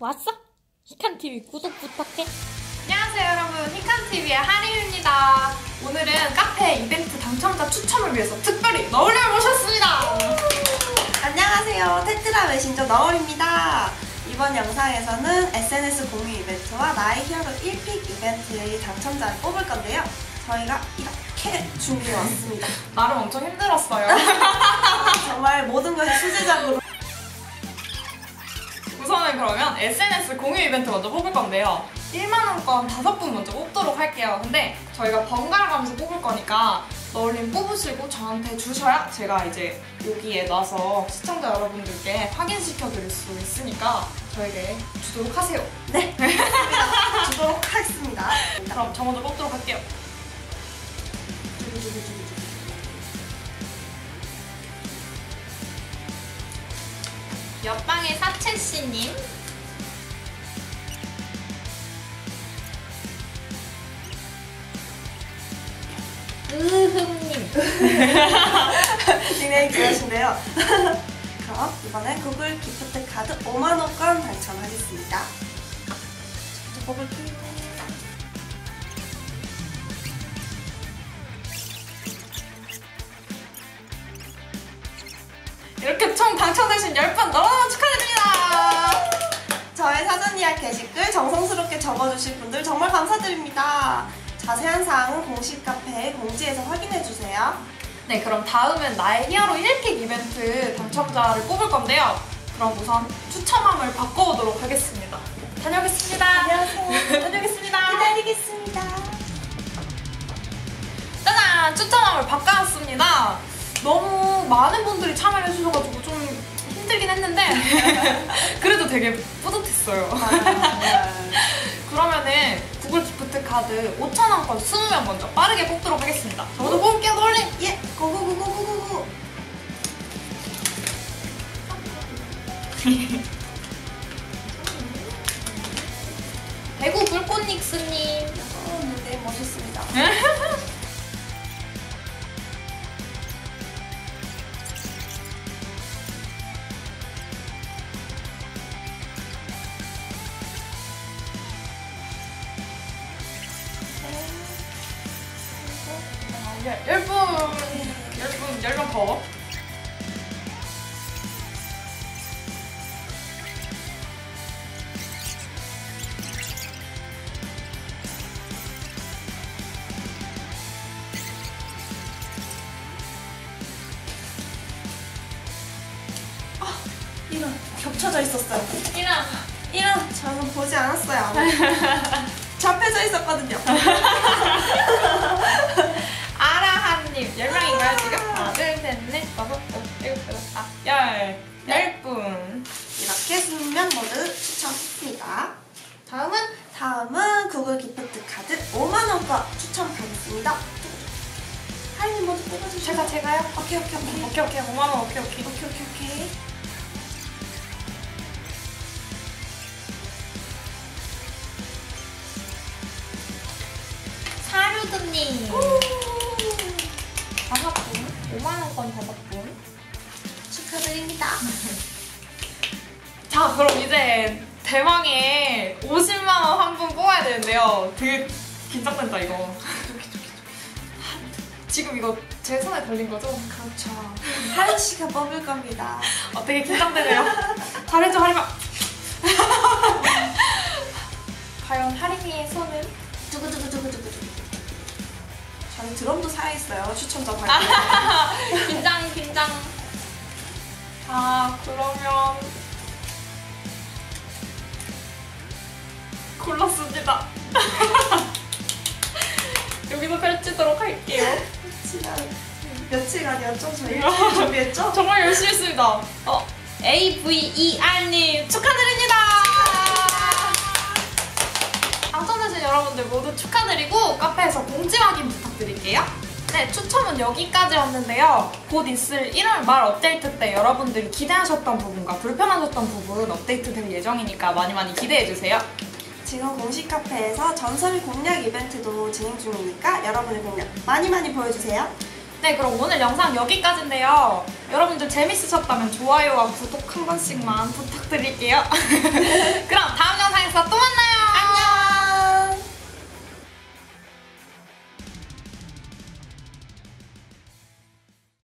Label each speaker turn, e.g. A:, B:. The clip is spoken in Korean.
A: 왔어? 히칸TV 구독 부탁해.
B: 안녕하세요 여러분, 히칸TV의 하림입니다. 오늘은 카페 이벤트 당첨자 추첨을 위해서 특별히 너울을 모셨습니다.
C: 안녕하세요, 테트라 메신저 너울입니다. 이번 영상에서는 SNS 공유 이벤트와 나의 히어로 1픽 이벤트의 당첨자를 뽑을 건데요. 저희가 이렇게 준비해왔습니다.
B: 나름 엄청 힘들었어요.
C: 정말 모든 것이 수제작으로.
B: 우선은 그러면 SNS 공유 이벤트 먼저 뽑을 건데요. 1만원권 5분 먼저 뽑도록 할게요. 근데 저희가 번갈아 가면서 뽑을 거니까 너울님 뽑으시고 저한테 주셔야 제가 이제 여기에 놔서 시청자 여러분들께 확인시켜 드릴 수 있으니까 저에게 주도록 하세요.
C: 네, 주도록 하겠습니다.
B: 그럼 저 먼저 뽑도록 할게요.
A: 옆방의 사채씨님, 으흠님.
C: 닉네임 귀하신데요. 그럼 이번엔 구글 기프트 카드 5만원권 당첨하겠습니다. 저 뽑을게요.
B: 이렇게 총 당첨되신 10분 너무너무 축하드립니다.
C: 저의 사전 예약 게시글 정성스럽게 적어주실 분들 정말 감사드립니다. 자세한 사항은 공식 카페 공지에서 확인해주세요.
B: 네, 그럼 다음은 나의 히어로 1픽 이벤트 당첨자를 뽑을 건데요. 그럼 우선 추첨함을 바꿔오도록 하겠습니다. 다녀오겠습니다.
C: 안녕하세요.
B: 다녀오겠습니다.
C: 기다리겠습니다.
B: 짜잔! 추첨함을 바꿔왔습니다. 너무 많은 분들이 참여를 해주셔가지고 좀 힘들긴 했는데 그래도 되게 뿌듯했어요. 그러면은 구글 기프트 카드 5,000원권 20명 먼저 빠르게 뽑도록 하겠습니다. 저도 뽑을게요, 너울님!
C: 예, 고고고고고고고.
A: 대구 불꽃닉스님.
C: 네, 멋있습니다.
B: 열분 더.
C: 이런, 겹쳐져 있었어요.
A: 이랑
C: 저는 보지 않았어요. 접혀져 있었거든요.
B: 아라한님 10명인가요 지금? 하나 둘셋넷 다섯 여섯 일곱 여덟 아홉 10분.
C: 이렇게 20명 모두 추첨했습니다. 다음은 구글 기프트 카드 5만원권 추첨하겠습니다. 하이님 먼저 뽑아주세요.
B: 제가요?
C: 오케이.
B: 5만원 오케이.
C: 오케이.
A: 사류드님.
B: 5분 5만원권 5분.
C: 축하드립니다.
B: 자, 그럼 이제 대망의 50만원 한 분 뽑아야 되는데요. 되게 긴장된다 이거. 지금 이거 제 손에 걸린 거죠?
C: 그렇죠. 하린 씨가 뽑을 겁니다.
B: 되게 긴장되네요. 잘해줘, 하림아. 과연 하림이의 손은?
C: 두구두구두구두구. 저는 드럼도 살아있어요. 추첨자 발표.
A: 긴장.
B: 자, 그러면 골랐습니다. 여기서 펼치도록 할게요.
C: 며칠간이었죠? 저희 열심히 준비했죠?
B: 정말 열심히 했습니다.
A: AVER님
B: 축하드립니다. 당첨되신 여러분들 모두 축하드리고 카페에서 공지 확인 부탁드릴게요. 네, 추첨은 여기까지였는데요. 곧 있을 1월 말 업데이트 때 여러분들이 기대하셨던 부분과 불편하셨던 부분 업데이트 될 예정이니까 많이 기대해주세요.
C: 지금 공식 카페에서 전설 공략 이벤트도 진행 중이니까 여러분의 공략 많이 보여주세요.
B: 네, 그럼 오늘 영상 여기까지인데요. 여러분들 재밌으셨다면 좋아요와 구독 한 번씩만 부탁드릴게요.